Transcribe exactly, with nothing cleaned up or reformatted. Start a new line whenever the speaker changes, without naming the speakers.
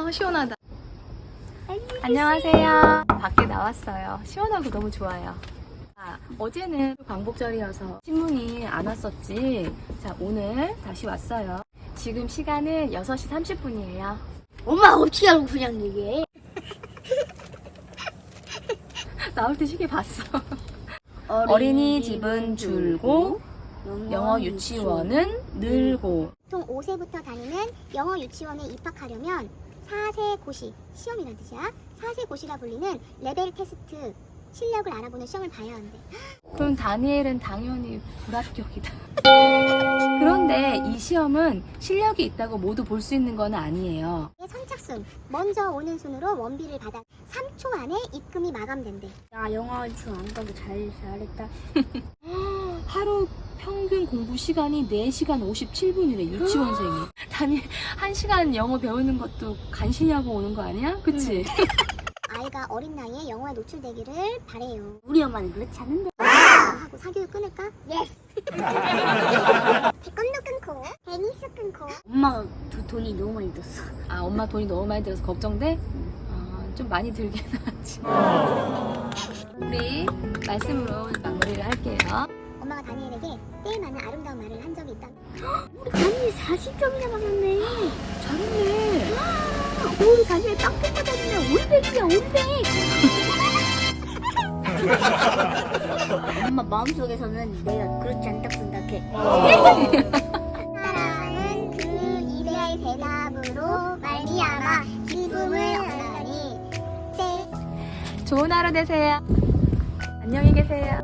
아, 시원하다. 안녕하세요. 밖에 나왔어요. 시원하고 너무 좋아요. 아, 어제는 광복절이어서 신문이 안 왔었지. 자, 오늘 다시 왔어요. 지금 시간은 여섯 시 삼십 분이에요.
엄마 어떻게 알고 그냥 얘기해?
나올 때 시계 봤어. 어린이집은 줄고 영어 유치원은 늘고.
보통 오 세부터 다니는 영어 유치원에 입학하려면 사 세 고시, 시험이란 뜻이야. 사 세 고시라 불리는 레벨 테스트, 실력을 알아보는 시험을 봐야 한대.
그럼 다니엘은 당연히 불합격이다. 그런데 이 시험은 실력이 있다고 모두 볼 수 있는 건 아니에요.
선착순, 먼저 오는 순으로 원비를 받아 삼 초 안에 입금이 마감된대.
야 영어 유치원 안 가고 잘 잘했다.
하루 평균 공부 시간이 네 시간 오십칠 분이래, 유치원생이. 다니 한 시간 영어 배우는 것도 간신히 하고 오는 거 아니야? 그치?
아이가 어린 나이에 영어에 노출되기를 바래요.
우리 엄마는 그렇지 않은데.
하고 사교육 끊을까? 예스! 태권도 끊고, 테니스 끊고.
엄마가 도, 돈이 너무 많이 들었어.
아, 엄마 돈이 너무 많이 들어서 걱정돼? 아, 좀 많이 들긴 하지. 우리 말씀으로 마무리를 할게요.
엄마가 다니엘에게 때에 많은 아름다운 말을 한 적이 있다.
우리 다니엘 사십 점이나 받았네.
잘했네.
우리 다니엘 빵점 받았네. 올백이야 올백. 엄마 마음속에서는 내가 그렇지 않다고 생각해.
사랑은 그 이별의 대답으로 말미암아 기쁨을 얻으니 때.
좋은 하루 되세요. 안녕히 계세요.